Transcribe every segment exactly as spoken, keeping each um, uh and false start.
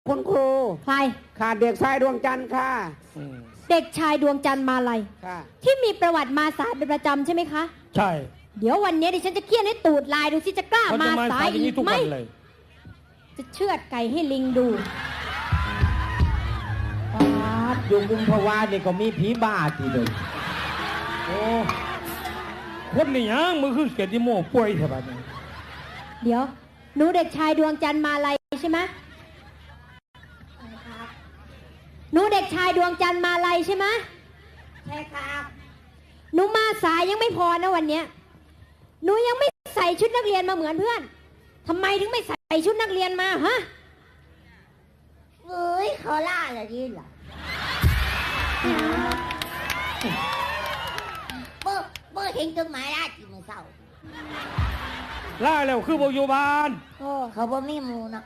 คุณครูใครขาดเด็กชายดวงจันทร์ค่ะเด็กชายดวงจันทร์มาลัยที่มีประวัติมาสายเป็นประจำใช่ไหมคะใช่เดี๋ยววันนี้ดิฉันจะเคี่ยนให้ตูดลายดูสิจะกล้ามาสายอีกไหมจะเชือดไก่ให้ลิงดูปาดยุงกุมภาวะนี่ก็มีผีบ้าทีเดียวโอ้คนนี่ยังมือคือเกียรติโม่ป่วยใช่ปะเนี่ยเดี๋ยวหนูเด็กชายดวงจันทร์มาลัยใช่ไหมหนูเด็กชายดวงจันทร์มาลัยใช่ไหมใช่ครับหนูมาสายยังไม่พอนะวันนี้หนูยังไม่ใส่ชุดนักเรียนมาเหมือนเพื่อนทำไมถึงไม่ใส่ชุดนักเรียนมาฮะเฮ้ยเขาล่าอะไรนี่เหรอเมื่อเมื่อเห็นจดหมายล่าจีมือเศร้าล่าแล้วคือโบยูบานโอ้เขาบ่มีมูนะ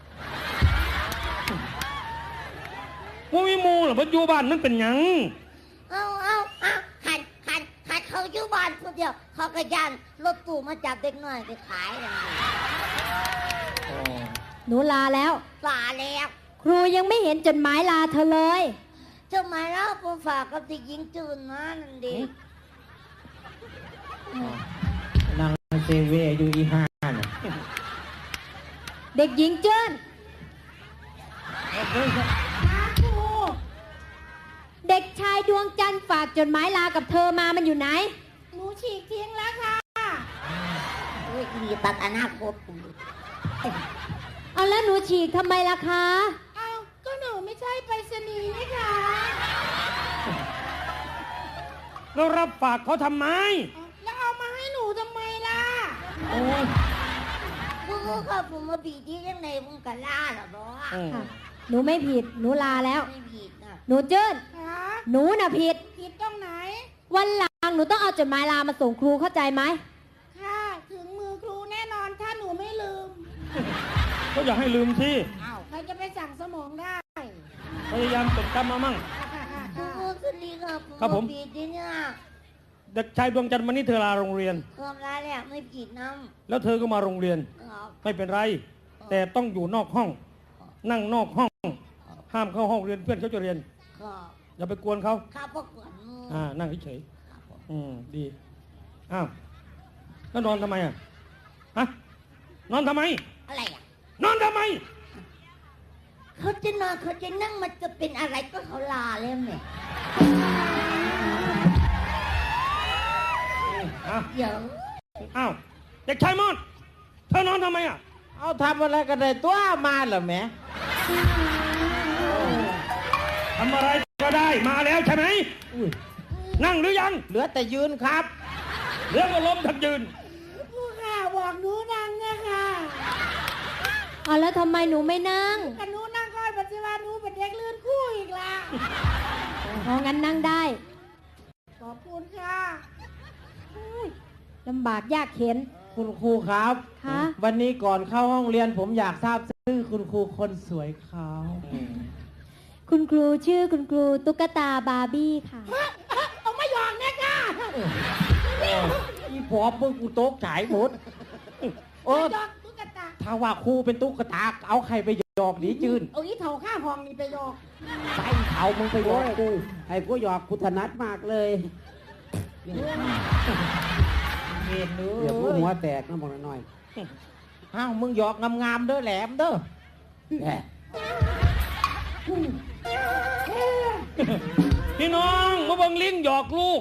โบมีมูเหรอโบยูบานนั่นเป็นยังเอาเอาเอาหันหันหันเขาอยู่บ้านคนเดียวเขากระยันรถตู้มาจับเด็กน้อยไปขายอะไรหนูลาแล้วลาแล้วครูยังไม่เห็นจดหมายลาเธอเลยจดหมายลาผมฝากกับเด็กหญิงจูนนะนั่นเด็กนางเซเวอยู่อีห้าน่ะเด็กหญิงเจิ้นเด็กชายดวงจันทร์ฝากจดหมายลากับเธอมามันอยู่ไหนหนูฉีกทิ้งแล้วค่ะเฮ้ยมีตัดอนาคตเอาแล้วหนูฉีกทำไมล่ะคะเอาก็หนูไม่ใช่ไปรษณีย์นี่ค่ะเรารับฝากเขาทำไมแล้วเอามาให้หนูทำไมล่ะโอ้ยกูก็ขับผมมาบีที่ยังไงมึงกันล่าหรอบอค่ะหนูไม่ผิดหนูลาแล้วไม่ผิดนะหนูเจิ้นหนูน่ะผิดผิดตรงไหนวันหลังหนูต้องเอาจดหมายลามาส่งครูเข้าใจไหมค่ะถึงมือครูแน่นอนถ้าหนูไม่ลืมก็อยากให้ลืมสิอ้าวใครจะไปสั่งสมองได้พยายามจดจำมามั่งครูสวัสดีครับครับผมผิดเนี่ยเด็กชายดวงจันทร์วันนี้เธอลาโรงเรียนทำไรเนี่ยไม่ผิดน้ำแล้วเธอก็มาโรงเรียนไม่เป็นไรแต่ต้องอยู่นอกห้องนั่งนอกห้องห้ามเข้าห้องเรียนเพื่อนเขาจะเรียนอย่าไปกวนเขาครับพวกกวนอ่านั่งเฉยๆอืมดีอ้าวแล้วนอนทำไมอ่ะฮะนอนทำไมอะไรอ่ะนอนทำไมเขาจะนอนเขาจะนั่งมันจะเป็นอะไรก็เขาลาแล้วเนี่ยเดี๋ยวอ้าวเด็กชายมอนเธอนอนทำไมอ่ะเอาทำอะไรกันเลยตัวมาเหรอแม่ทำอะไรก็ได้มาแล้วใช่ไหมนั่งหรือยังเหลือแต่ยืนครับเหลือก็ล้มทั้งยืนผู้ข่าบอกหนูนั่งนะคะเอาแล้วทำไมหนูไม่นั่งกันหนูนั่งก่อนปัจจุบันหนูเป็นเด็กลื่นคู่อีกละอ๋องั้นนั่งได้ขอบคุณค่ะลำบากยากเข็นคุณครูครับวันนี้ก่อนเข้าห้องเรียนผมอยากทราบชื่อคุณครูคนสวยเขาคุณครูชื่อคุณครูตุ๊กตาบาร์บี้ค่ะเอาไม่ยอมแน่ค่ะอีพอมึงกูโต๊ะฉายหมดโอ้ตุ๊กตาถ้าว่าครูเป็นตุ๊กตาเอาใครไปหยอกหนีจืนเอาอีเถาข้าห้องนี่ไปหยอกใส่เถามึงไปหยอกกูไอ้กูหยอกกูถนัดมากเลยเห็นเนื้อเดี๋ยวกูหัวแตกน้ำมันน้อยอ้าวมึงหยอกงามๆเด้อแหลมเด้อพี่น้องมาบังลิงหยอกลูก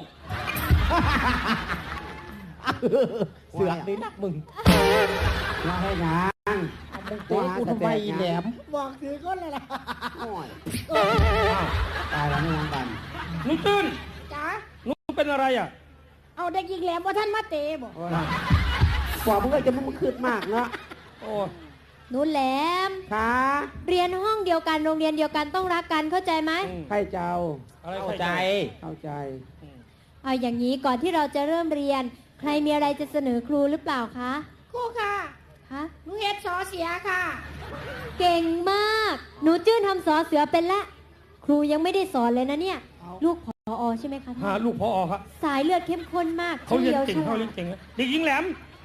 เสือกดีนักมึงมาให้นางมึงเตะกูทำไมแหลมบอกถือก้นเลยล่ะตายแล้วไม่ยังกันหนูตื่นจ๋าหนูเป็นอะไรอ่ะเอาเด็กหญิงแหลมว่าท่านมาเตะบอกกว่ามึงก็จะมึงคืดมากเนาะโอ้หนูแหลมค่ะเรียนห้องเดียวกันโรงเรียนเดียวกันต้องรักกันเข้าใจไหมใครเจ้าเข้าใจเข้าใจเอาอย่างนี้ก่อนที่เราจะเริ่มเรียนใครมีอะไรจะเสนอครูหรือเปล่าคะครูค่ะคะหนูเฮ็ดสอเสียค่ะเก่งมากหนูจื้นทำสอเสือเป็นละครูยังไม่ได้สอนเลยนะเนี่ยลูกผอใช่ไหมคะฮะลูกผอครับสายเลือดเข้มข้นมากเขาเรียนเก่งเขาเรียนเก่งเด็กหญิงแหลม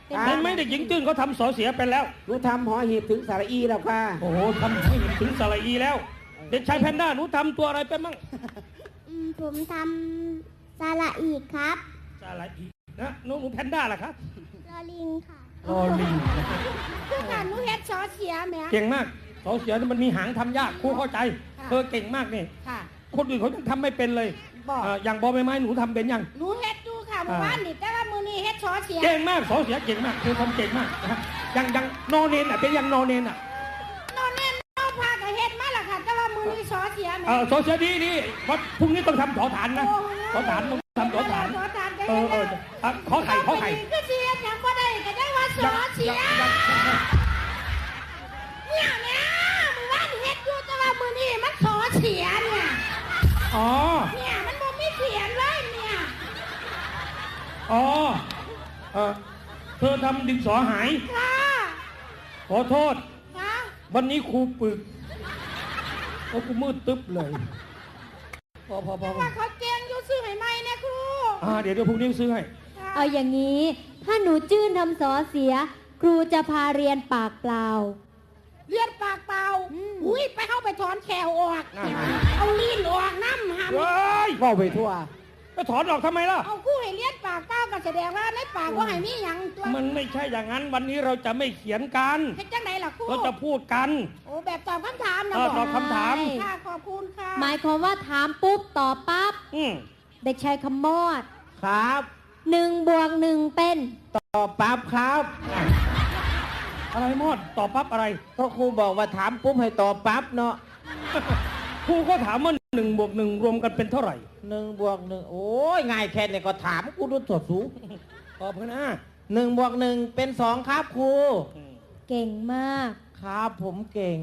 เป็นเห็นไหมเด็กหญิงจื้นเขาทำสอเสียเป็นแล้วหนูทำหอหีบถึงสระอีแล้วค่ะโอ้โหทำให้ถึงสระอีแล้ว เด็กชายแพนด้าหนูทำตัวอะไรเป็นมั่งอืมผมทำสระอีกครับสระอีนะหนูหนูแพนด้าล่ะครับลอลิงค่ะรอลิงคือการหนูเฮ็ดซอเสียแหม่เก่งมากสอเสียนี่มันมีหางทำยากครูเข้าใจเธอเก่งมากนี่ค่ะคนอื่นเขายังทำไม่เป็นเลยบอกเอ่ออย่างบอใบไม้หนูทำเป็นยังหนูเฮ็ดดูค่ะเมื่อวานนี่แต่ว่ามื้อนี้เฮ็ดซอเสียเก่งมากสอเสียเก่งมากเธอทำเก่งมากนะฮะยังยังนอเนนอ่ะเป็นยังนอเนนอ่ะนอนแน่นอนพาก็เฮ็ดมาล่ะค่ะแต่ว่ามื้อนี้ซอเสียแหม่เออสอเสียดีดีเพราะพรุ่งนี้ต้องทำสอฐานนะสอฐานต้องทำสอฐานซอฐานก็เอเฮ็อดเอแล้อวอ่ะขอไข่ขอไข่ก็เสียยังบ่ได้ก็ได้ว่าซอเสียยังยังยังเนี่ยเนี่ยมื้อวานนี่เฮ็ดอยู่แต่ว่ามื้อนี้มันซอเสียเนี่ยอ๋อเนี่ยมันบ่มีเขียนเลยเนี่ยอ๋อเออเธอทำดินสอหายค่ะขอโทษค่ะวันนี้ครูปึกเพราะกูมืดตึ๊บเลย พอพอพอพอว่าเขาเจียงอยู่ซื้อให้ใหม่นะครูอ่าเดี๋ยวเดี๋ยวพรุ่งนี้ซื้อให้ค่ะเอาอย่างนี้ ถ้าหนูจื้นทำสอเสีย ครูจะพาเรียนปากเปล่าเลียนปากเปล่าอืมอุ้ยไปเข้าไปถอนแขวออกนั่นเอาลีนออกน้ำหามเฮ้ยว่าไปทั่วไปถอนออกทำไมล่ะเอาคู่ให้เลียนปากเปล่าก็แสดงว่าในปากว่าให้มีหยังตัวมันไม่ใช่อย่างนั้น วันนี้เราจะไม่เขียนกันเฮ็ดจังไดล่ะครูเราจะพูดกันโอ้แบบตอบคำถามนะเออบอกตอบคำถามค่ะขอบคุณค่ะหมายความว่าถามปุ๊บตอบปั๊บอืมเด็กชายคำมอดครับหนึ่งบวกหนึ่งเป็นตอบปั๊บครับอะไรมอดตอบปั๊บอะไรก็ครูบอกว่าถามปุ๊บให้ตอบปั๊บเนาะครูก็ถามว่าหนึ่งบวกหนึ่งรวมกันเป็นเท่าไหร่หนึ่งบวกหนึ่งโอ้ยง่ายแค่นี้ก็ถามกูดูถอดสูตอบกันนะหนึ่งบวกหนึ่งเป็นสองครับครูอืมเก่งมากครับผมเก่ง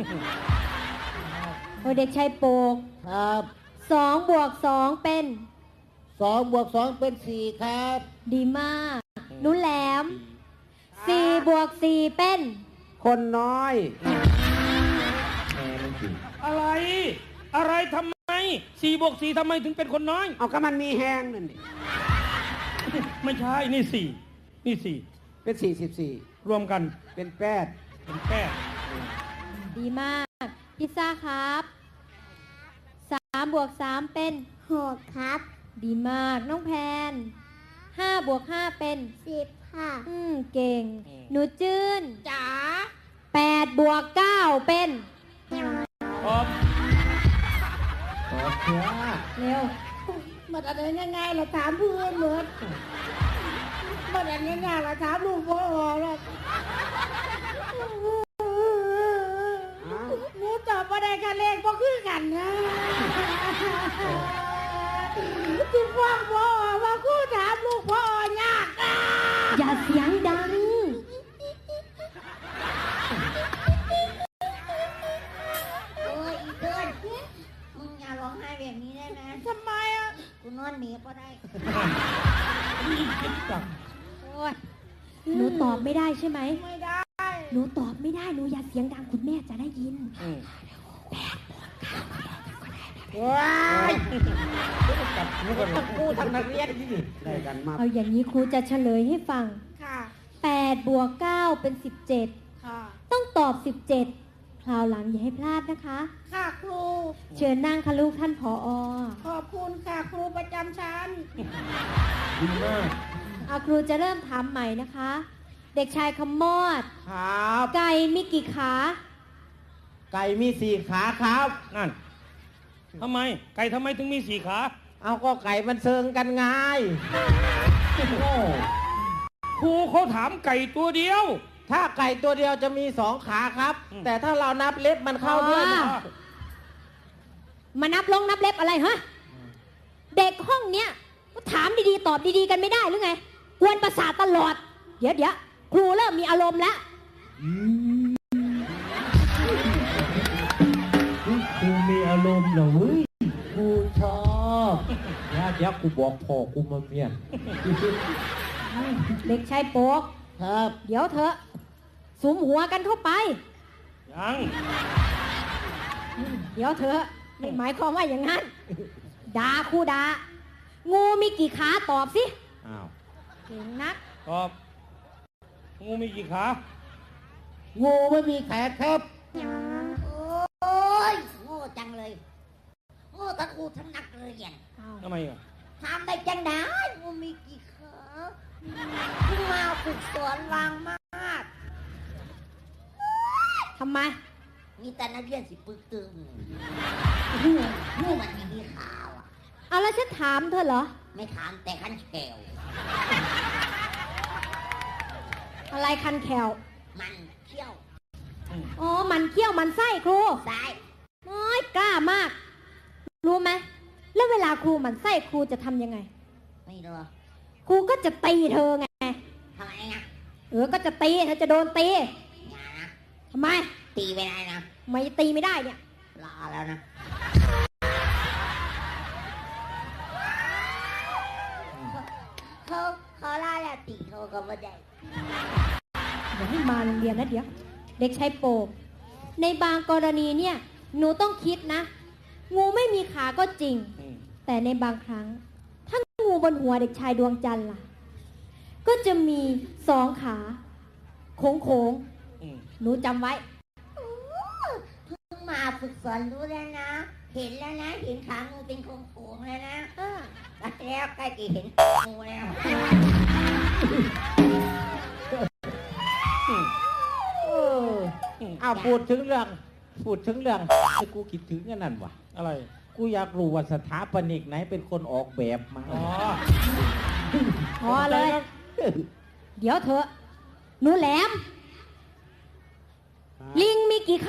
โอ้ยเด็กชายโปกครับสองบวกสองเป็นสองบวกสองเป็นสี่ครับดีมาก หนุแหลมสี่บวกสี่เป็นคนน้อยอะไร อะไรทำไมสี่บวกสี่ทำไมถึงเป็นคนน้อยเอาก็มันมีแห้งนั่นดิไม่ใช่ นี่สี่นี่สี่เป็นสี่สิบสี่รวมกันเป็นแปดเป็นแปดดีมาก พิซซ่าครับสามบวกสามเป็นหกครับดีมาก น้องแพนห้าบวกห้าเป็นสิบค่ะอืม เก่ง หนูจื้นจ๋าแปดบวกเก้าเป็นตอบตอบเถอะเร็วมันอะไรง่ายๆเราถามเพื่อนเหมือนมันอะไรง่ายๆเราถามลูกพ่อแล้วหนูตอบว่าได้คะแนนก็คือกันนะที่พ่อพ่อว่าคู่ถามลูกพ่อยากอ่ะอย่าเสียงดังโอ้ยอีเกินมึงอย่าร้องไห้แบบนี้ได้ไหมทำไมอ่ะกูนอนหนีก็ได้นี่คิดจังโอ้ยหนูตอบไม่ได้ใช่ไหมไม่ได้หนูตอบไม่ได้ หนูอย่าเสียงดังคุณแม่จะได้ยินอืมว้ายกับนึกว่าเรากูทำนักเรียนที่นี่ได้กันมากเอาอย่างนี้ครูจะเฉลยให้ฟังค่ะแปดบวกเก้าเป็นสิบเจ็ดค่ะต้องตอบสิบเจ็ดคราวหลังอย่าให้พลาดนะคะค่ะครูเชิญนั่งค่ะลูกท่านผออขอบคุณค่ะครูประจำชั้นดีมากเอาครูจะเริ่มถามใหม่นะคะ เด็กชายคำมอดครับไก่มีกี่ขาไก่มีสี่ขาครับนั่นทำไม ไก่ทำไมถึงมีสี่ขาเอาก็ไก่มันเซิงกันไงโง่ครูเขาถามไก่ตัวเดียวถ้าไก่ตัวเดียวจะมีสองขาครับอืมแต่ถ้าเรานับเล็บมันเข้าด้วยอ๋อ มานับลงนับเล็บอะไรฮะ เด็กห้องเนี้ยก็ถามดีๆ ตอบดีๆ กันไม่ได้หรือไง กวนประสาทตลอด เดี๋ยวเดี๋ยวครูเริ่มมีอารมณ์แล้วกูมีอารมณ์เหรอเว้ยกูชอบเดี๋ยวเดี๋ยวกูบอกพ่อกูมาเมียนเด็กชายโป๊กครับเดี๋ยวเถอะสุมหัวกันเข้าไปยังเดี๋ยวเถอะไม่หมายความว่าอย่างนั้นด่าครูด่างูมีกี่ขาตอบสิอ้าวเก่งนักตอบงูมีกี่ขางูไม่มีแขนครับโอ้ยโง่จังเลยโง่ตะครูทั้งนักเรียนทำไมอ่ะทำได้จังได้งูมีกี่ขาเพิ่งมาฝึกสอนวางมากทำไมมีแต่นักเรียนสิปึกตึงงูงูมันไม่มีขาวอ่ะเอาแล้วฉันถามเธอเหรอไม่ถามแต่ขั้นแขวอะไรคันแขวมันเขี้ยวอ๋อ มันเขี้ยวมันไส้ครูซ้ายน้อยกล้ามาก รู้ไหม แล้วเวลาครูมันไส้ครูจะทำยังไงไม่รู้ครูก็จะตีเธอไงทำไมนะเออ ก็จะตีเธอจะโดนตีอย่านะทำไมตีไปได้นะไม่ตีไม่ได้เนี่ยรอแล้วนะเขาเขาล่าแล้วตีเขาก็ไม่ได้เดี๋ยวให้มาโรงเรียนนะเดี๋ยว เด็กชายโปกในบางกรณีเนี่ย หนูต้องคิดนะ งูไม่มีขาก็จริงอืมแต่ในบางครั้ง ถ้างูบนหัวเด็กชายดวงจันทร์ล่ะ ก็จะมีสองขาโค้งโค้งอืมๆหนูจำไว้เพิ่งมาฝึกสอนรู้แล้วนะ เห็นแล้วนะ เห็นขางูเป็นโค้งๆแล้วนะเออแล้วใกล้จะเห็นงูแล้วเอออ้าวพูดถึงเรื่อง พูดถึงเรื่องไอ้กูคิดถึงกันนั่นวะอะไรกูอยากรู้ว่าสถาปนิกไหนเป็นคนออกแบบมาอ๋อพอเลย เดี๋ยวเถอะ หนูแหลม ลิงมีกี่ขา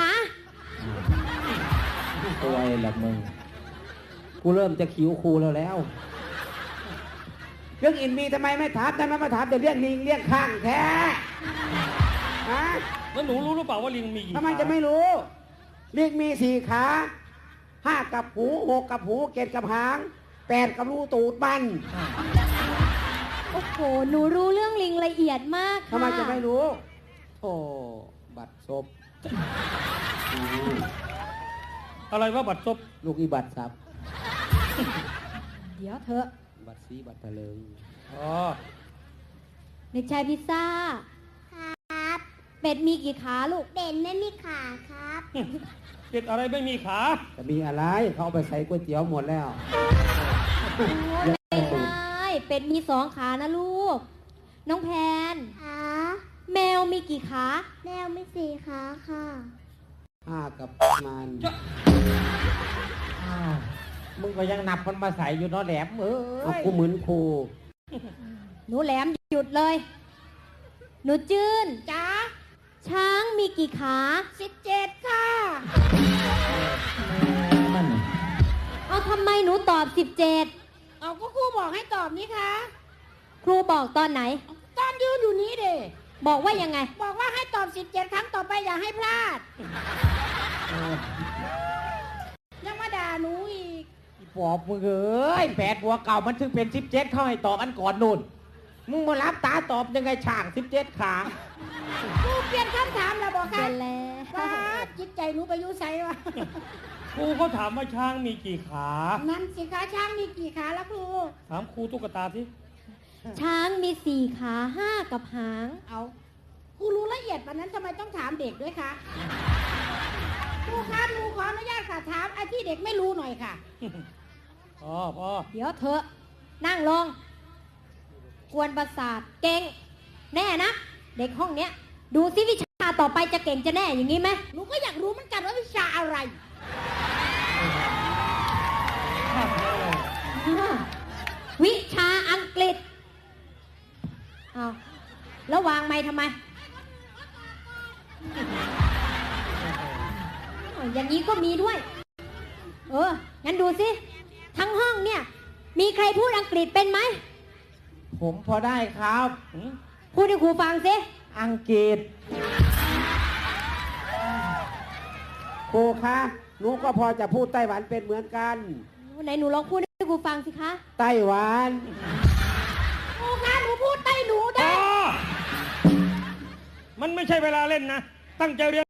ตัวไอ้ละมึง กูเริ่มจะคิ้วครูแล้วแล้วเรื่องอินมีทำไมไม่ถามทำไมมาถามแต่เรื่องลิงเรื่องข้างแท้ฮะแล้วหนูรู้หรือเปล่าว่าลิงมีกี่ทำไมขาจะไม่รู้ลิงมีสี่ขาห้ากับหูหกกับหูเจ็ดกับหางแปดกับรูตูดมันโอ้โห หนูรู้เรื่องลิงละเอียดมากค่ะทำไมจะไม่รู้โอ้บัตรซบอะไรว่าบัตรซบลูกอีบัตรซับเดี๋ยวเถอะบัตรซีบัตรทะเลงอ๋อเด็กชายพิซซ่าครับเป็ดมีกี่ขาลูกเบนไม่มีขาครับเป็ดอะไรไม่มีขาจะมีอะไรเขาเอาไปใส่ก๋วยเตี๋ยวหมดแล้วโอ้ยไม่ใช่เป็ดมีสองขานะลูก น้องแพนขาแมวมีกี่ขาแมวไม่สี่ขาค่ะห้ากับมันอ้าวมึงก็ยังนับมันมาใส่อยู่เนาะแหลมเอ้เอายกูเหมือนครูหนูแหลมหยุดเลย หนูจื้นจ้าช้างมีกี่ขาสิบเจ็ดค่ะมันเอาทำไมหนูตอบสิบเจ็ดเอาก็ครูบอกให้ตอบนี่คะครูบอกตอนไหนตอนยืนอยู่นี้เด้บอกว่ายังไงบอกว่าให้ตอบสิบเจ็ดครั้งต่อไปอย่าให้พลาด ยังมาด่าหนูอีกอีปอบมึงเอ้ยแปดบัวเก่ามันถึงเป็นสิบเจ็ดเข้าให้ตอบอันก่อนนู่น มึงมารับตาตอบยังไงช่างสิบเจ็ดขาครูเปลี่ยนคำถามแล้วบอกเป็ค่ะนแล้วว่าจิตใจหนูไปอยุ่ใส่วะครูเขาถามว่าช้างมีกี่ขานั่นสิคะช้างมีกี่ขาแล้วครูถามครูตุ๊กตาที่ช้างมีสี่ขาห้ากับหางเอาครูรู้ละเอียดวันนั้นทำไมต้องถามเด็กด้วยคะครูคะหนูขออนุญาตค่ะถามไอ้ที่เด็กไม่รู้หน่อยค่ะอ๋อพอเดี๋ยวเถอะ นั่งลง กวนประสาท เก่ง แน่นะ เด็กห้องเนี้ย ดูซิวิชาต่อไปจะเก่งจะแน่อย่างนี้ไหมหนูก็อยากรู้เหมือนกันว่าวิชาอะไรวิชาอังกฤษเอาแล้ววางไม้ทำไมอ้าวอย่างนี้ก็มีด้วย เออ งั้นดูสิ ทั้งห้องเนี่ย มีใครพูดอังกฤษเป็นไหมผมพอได้ครับหืมพูดให้ครูฟังสิอังกฤษครูคะหนูก็พอจะพูดไต้หวันเป็นเหมือนกันไหนหนูลองพูดให้ครูฟังสิคะไต้หวันครูคะหนูพูดใต้หนูพได้อมันไม่ใช่เวลาเล่นนะ ตั้งใจเรียน